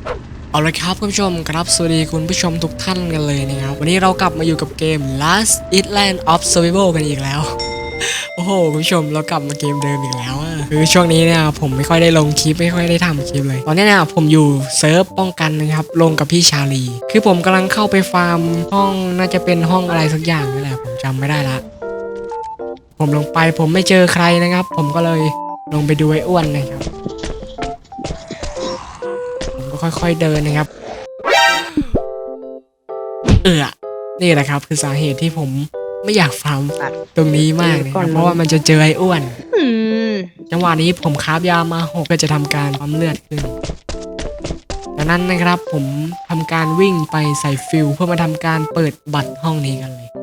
เอาละครับคุณผู้ชมครับสวัสดีคุณผู้ชมทุกท่านกันเลยนะครับวันนี้เรากลับมาอยู่กับเกม Last Island of Survival กันอีกแล้ว โอ้โหคุณผู้ชมเรากลับมาเกมเดิมอีกแล้วคือช่วงนี้เนี่ยผมไม่ค่อยได้ลงคลิปไม่ค่อยได้ทำคลิปเลยตอนนี้เนี่ยผมอยู่เซิร์ฟป้องกันนะครับลงกับพี่ชาลีคือผมกำลังเข้าไปฟาร์มห้องน่าจะเป็นห้องอะไรสักอย่างนี่แหละผมจำไม่ได้ละผมลงไปผมไม่เจอใครนะครับผมก็เลยลงไปดูไอ้อ้วนนะครับผมก็ค่อยๆเดินนะครับนี่แหละครับคือสาเหตุที่ผมไม่อยากฟาร์มตรงนี้มากนะครับเพราะว่ามันจะเจอไอ้อ้วนจังหวะนี้ผมคราฟยามา6เพื่อจะทำการปั๊มเลือดขึ้นดังนั้นนะครับผมทำการวิ่งไปใส่ฟิลเพื่อมาทำการเปิดบัตรห้องนี้กันเลย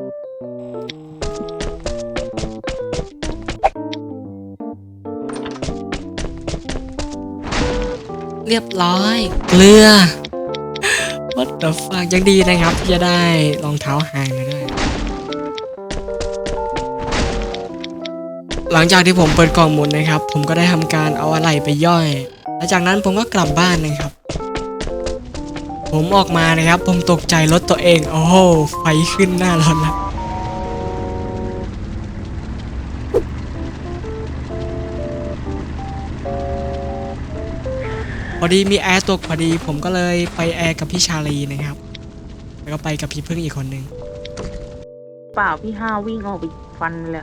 เรียบร้อยเกลือ What the fuck ยังดีนะครับที่จะได้รองเท้าหายมาด้วยหลังจากที่ผมเปิดกล่องหมุนนะครับผมก็ได้ทำการเอาอะไหล่ไปย่อยและจากนั้นผมก็กลับบ้านนะครับผมออกมานะครับผมตกใจรถตัวเองโอ้โหไฟขึ้นหน้ารถแล้วพอดีมีแอร์ตกพอดีผมก็เลยไปแอร์กับพี่ชาลีนะครับแล้วก็ไปกับพี่พึ่งอีกคนนึงเปล่าพี่ห้าวิ่งออกไปฟันเลย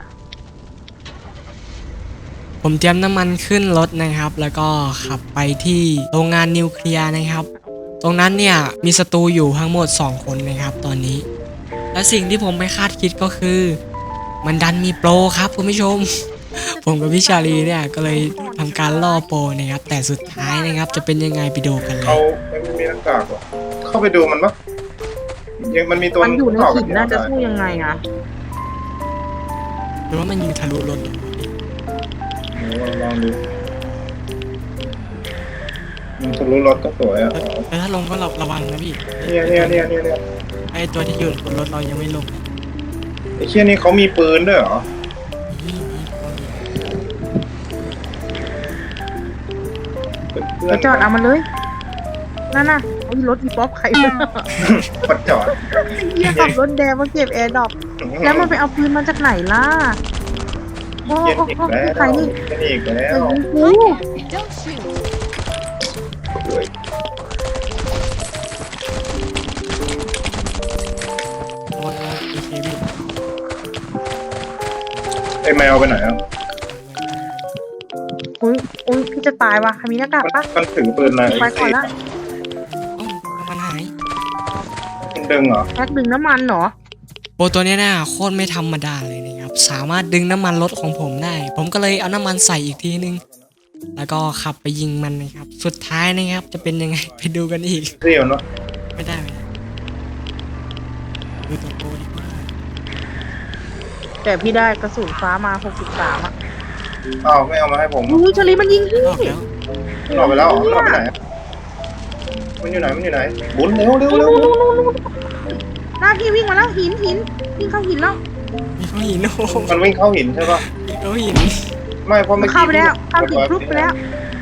ผมเตรียมน้ำมันขึ้นรถนะครับแล้วก็ขับไปที่โรงงานนิวเคลียร์นะครับตรงนั้นเนี่ยมีศัตรูอยู่ทั้งหมด2คนนะครับตอนนี้และสิ่งที่ผมไม่คาดคิดก็คือมันดันมีโปรครับคุณผู้ชม ผมกับพี่ชาลีเนี่ยก็เลยทำการล่อโปรนะครับแต่สุดท้ายนะครับจะเป็นยังไงไปดูกันเลยเขาไม่มีหน้ากากหรอเข้าไปดูมันปะยังมันมีตัวมันอยู่ในหินน่าจะสู้ยังไงอะหรือว่ามันยิงทะลุรถลองดูมันทะลุรถก็สวยอ่ะแต่ถ้าลงก็ระวังนะพี่เนี่ยไอตัวที่อยู่บนรถเรายังไม่ลงไอ้เชี่ยนี่เขามีปืนด้วยเหรอไปจอดเอามันเลยนั่นน่ะเอารถอีป๊อปใครมาปัดจอดเยี่ยขับรถแดงมาเก็บแอร์ดรอปแล้วมันไปเอาปืนมาจากไหนล่ะโอ้ใครนี่อีกแล้วไอ้แมวไปไหนอ่ะอุ้ยพี่จะตายว่ะมีหน้ากากปะมันถึงปืนอะไรไปก่อนละมันหายมันดึงเหรอแพ็คดึงน้ำมันเหรอโปรตัวนี้น่ะโคตรไม่ธรรมดาเลยนะครับสามารถดึงน้ำมันรถของผมได้ผมก็เลยเอาน้ำมันใส่อีกทีนึงแล้วก็ขับไปยิงมันนะครับสุดท้ายนะครับจะเป็นยังไงไปดูกันอีกเรียวเนาะไม่ได้ดูตัวโปรดีกว่าแต่พี่ได้กระสุนฟ้ามา63อ่ะอ้าวไม่เอามาให้ผมอุ้ยชลีมันยิงพี่หลอกไปแล้วหลอกไปไหนมันอยู่ไหนบุญเร็วหน้าพี่วิ่งมาแล้วหินวิ่งเข้าหินแล้วมันวิ่งเข้าหินใช่ปะเข้าหินไม่เพราะไม่เข้าไปแล้วเข้าหินพลุบไปแล้ว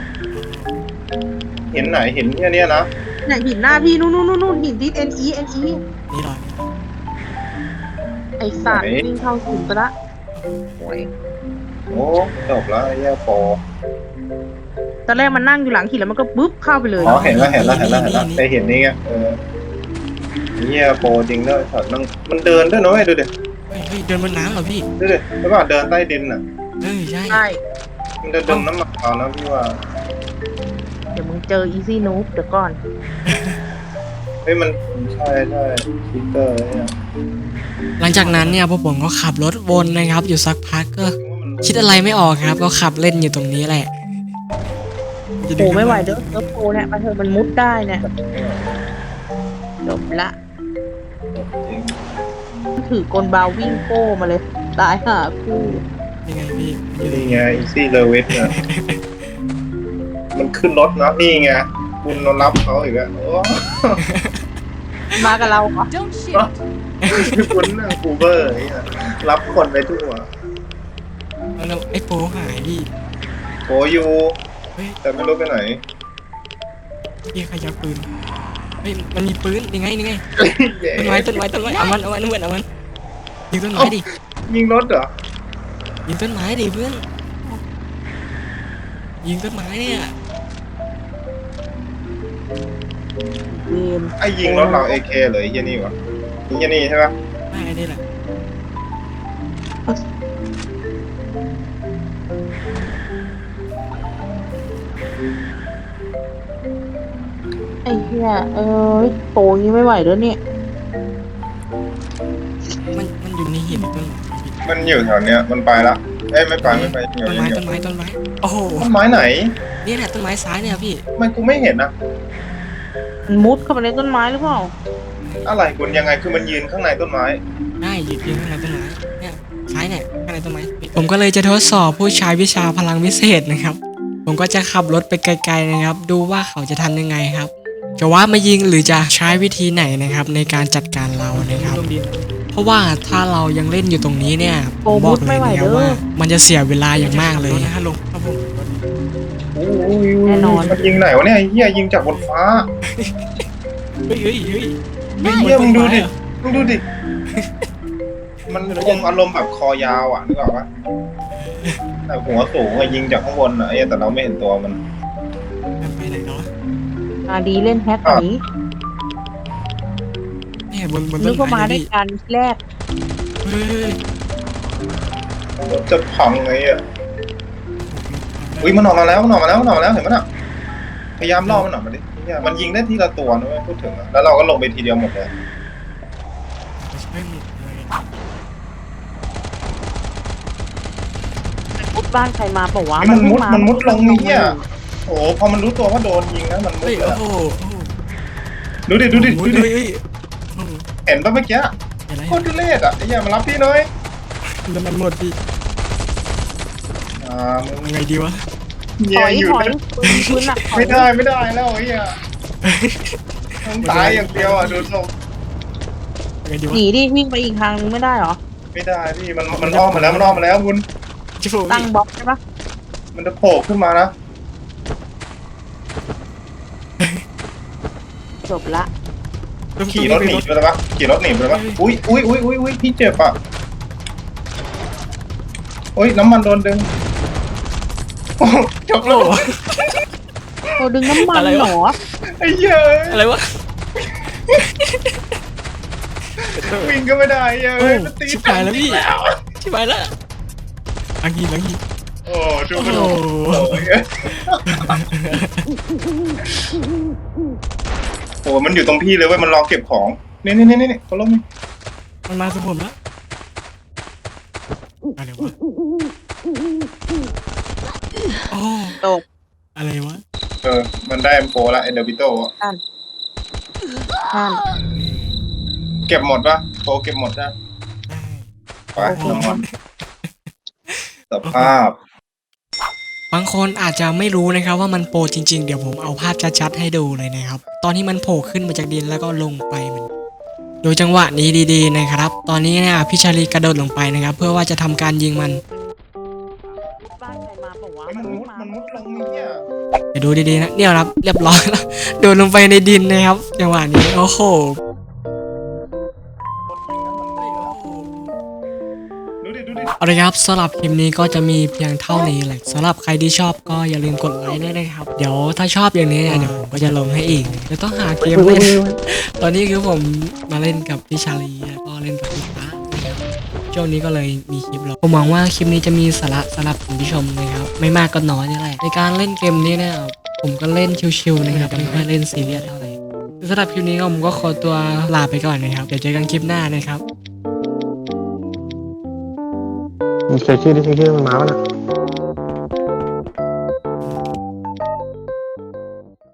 เห็นไหนเห็นแค่นี้นะเนี่ยหินหน้าพี่นู่นหินที่ NE นี่หรอไอสัตว์วิ่งเข้าหินไปละโอ้จบแล้วแย่ปอตอนแรกมันนั่งอยู่หลังหินแล้วมันก็บึ๊บเข้าไปเลยอ๋อเห็นแล้วแต่เห็นนี่ไงแย่ปอจริงด้วยสัตว์มันเดินด้วยนะเว้ยดูดิเดินบนน้ำเหรอพี่ดูดิใช่ป่ะเดินใต้ดินอ่ะใช่มันจะดึงน้ำมันเอานะพี่ว่าเดี๋ยวมึงเจออีซี่นูบเดี๋ยวก่อนเฮ้ยมันใช่คิปเตอร์เนี่ยหลังจากนั้นเนี่ยพวกผมก็ขับรถวนนะครับอยู่สักพักก็คิดอะไรไม่ออกครับก็ขับเล่นอยู่ตรงนี้แหละโอ้ไม่ไหวเด้อโปเนี่ยมาเถอะมันมุดได้เนี่ยจบละถือกลบาวิ่งโป้มาเลยตายหาคู่ยังไงพี่นี่ไงอีซี่เลเวสเนี่ยมันขึ้นรถนะนี่ไงคุณนอนรับเขาอีกแล้วมากับเราเหรอคุณน่ะกูเบอร์รับคนไปทั่วแล้วไอ้โปหายดิโปอยู่แต่ไม่รู้ไปไหนพี่ขยับปืนเฮ้ยมันมีปืนยังไงต้นไม้เอามันยิงต้นไม้ดิยิงรถเหรอยิงต้นไม้ดิเพื่อนยิงต้นไม้เนี่ยเวียนไอ้ยิงรถเราAKเลยไอ้เหี้ยนี่วะไอ้เหี้ยนี่ใช่ปะไม่ได้แหละไอ้เหี้ยโตงี้ไม่ไหวแล้วเนี่ยมันอยู่ในหินต้นมันอยู่แถวเนี้ยมันไปละเอ้ยไม่ไปอยู่ต้นไม้โอ้โหต้นไม้ไหนนี่แหละต้นไม้ซ้ายเนี่ยพี่มันกูไม่เห็นนะมันมุดเข้าไปในต้นไม้หรือเปล่าอะไรคุณยังไงคือมันยืนข้างในต้นไม้ได้ยืนข้างในต้นไม้เนี่ยซ้ายเนี่ยข้างในต้นไม้ผมก็เลยจะทดสอบผู้ใช้วิชาพลังวิเศษนะครับผมก็จะขับรถไปไกลๆนะครับดูว่าเขาจะทำยังไงครับจะว่ามายิงหรือจะใช้วิธีไหนนะครับในการจัดการเรานะครับเพราะว่าถ้าเรายังเล่นอยู่ตรงนี้เนี่ยผมบอกเลยนะครับว่ามันจะเสียเวลาอย่างมากเลยนะลงครับผมแน่นอนมันยิงไหนวะเนี่ยไอ้เหี้ยยิงจากบนฟ้าเฮ้ยไอ้เหี้ยมึงดูดิ มันคงอารมณ์แบบคอยาวอ่ะนึกออกปะแต่หัวสูงอะยิงจากข้างบนอ่ะไอ้แต่เราไม่เห็นตัวมันไปไหนเนาะดีเล่นแฮกนี้เนี่ยบนนึต้กนว่ามาไม้ได้ดิกันแรกเฮ้ยจะพังไงอ่ะอุ้ยมันออกมาแล้วเห็นมั้ยน่ะพยายามล่อมันออกมาดิเหี้ยมันยิงได้ทีละตัวนะเว้ยพูดถึงอะแล้วเราก็ลงไปทีเดียวหมดเลยไม่หมดเลยมุดบ้านใครมาเปล่าวะมันมุดลงนี่เหี้ยโอ้พอมันรู้ตัวว่าโดนยิงนะมันมุเฮ้ดยเลยโอ้อะโหดูดิเฮ้ยเห็นปะเมื่อกี้อะไรโคตรทุเรศอ่ะไอ้เหี้ยมารับพี่หน่อยแล้วมันหมดพี่มึงไงดีวะถเหี้ยอยอยู่ถอยนะพื้นหนักถอยไม่ได้แล้วไอ้เหี้ยต้องตายอย่างเดียวอ่ะดูทรงไงดีวะหนีดิวิ่งไปอีกทางนึงไม่ได้เหรอไม่ได้พี่มันอ้อมมาแล้วคุณชิฟูตั้งบล็อกใช่ปะมันจะโผล่ขึ้นมานะจบละขี่รถหนีไปแล้วปะอุ้ยพี่เจ็บอ่ะโอ้ยน้ำมันโดนดึงโอ้จบโอ้แล้วโอ้ดึงน้ำมันเหรอไอ้เหี้ยอะไรวะวิ่งก็ไม่ได้เอ้ยมันตีชิบหายแล้วพี่ชิบหายแล้วลังฮีโอ้ดูโอ้มันโหโอ้มันอยู่ตรงพี่เลยเว้ยมันรอเก็บของนี่เขาล้มมันมาสู่ผมแล้วอะไรวะโอ้ตกอะไรวะมันได้M4ละเดบิโต้นั่นเก็บหมดปะโปเก็บหมดนะไปน้ำมันสภาพบางคนอาจจะไม่รู้นะครับว่ามันโปรจริงๆเดี๋ยวผมเอาภาพชัดๆให้ดูเลยนะครับตอนที่มันโผล่ขึ้นมาจากดินแล้วก็ลงไปมันดูจังหวะนี้ดีๆนะครับ ตอนนี้เนี่ยพี่ชาลีกระโดดลงไปนะครับ เพื่อว่าจะทำการยิงมันบ้านใครมาเปล่าวะมันมุดลงนี่อ่ะเดี๋ยวดูดีๆนะเนี่ยครับเรียบร้อยแล้วโดดลงไปในดินนะครับจังหวะนี้โอ้โหดูดิเอาละครับสำหรับคลิปนี้ก็จะมีเพียงเท่านี้แหละสำหรับใครที่ชอบก็อย่าลืมกดไลค์ด้วยนะครับเดี๋ยวถ้าชอบอย่างนี้เนี่ยเดี๋ยวผมก็จะลงให้อีกจะต้องหาเกมเล่น ตอนนี้คือผมมาเล่นกับพี่ชาลีแล้วก็เล่นกับพี่ฟ้านะครับช่วงนี้ก็เลยมีคลิปลงผมหวังว่าคลิปนี้จะมีสาระสำหรับคุณผู้ชมนะครับไม่มากก็น้อยนี่แหละในการเล่นเกมนี้เนี่ยผมก็เล่นชิวๆนะครับไม่ค่อยเล่นซีเรียสเท่าไหร่สำหรับคลิปนี้ก็ผมก็ขอตัวลาไปก่อนนะครับเดี๋ยวเจอกันคลิปหน้านะครับมีเช็คชื่อที่เช็คชื่อมันมาแล้วนะ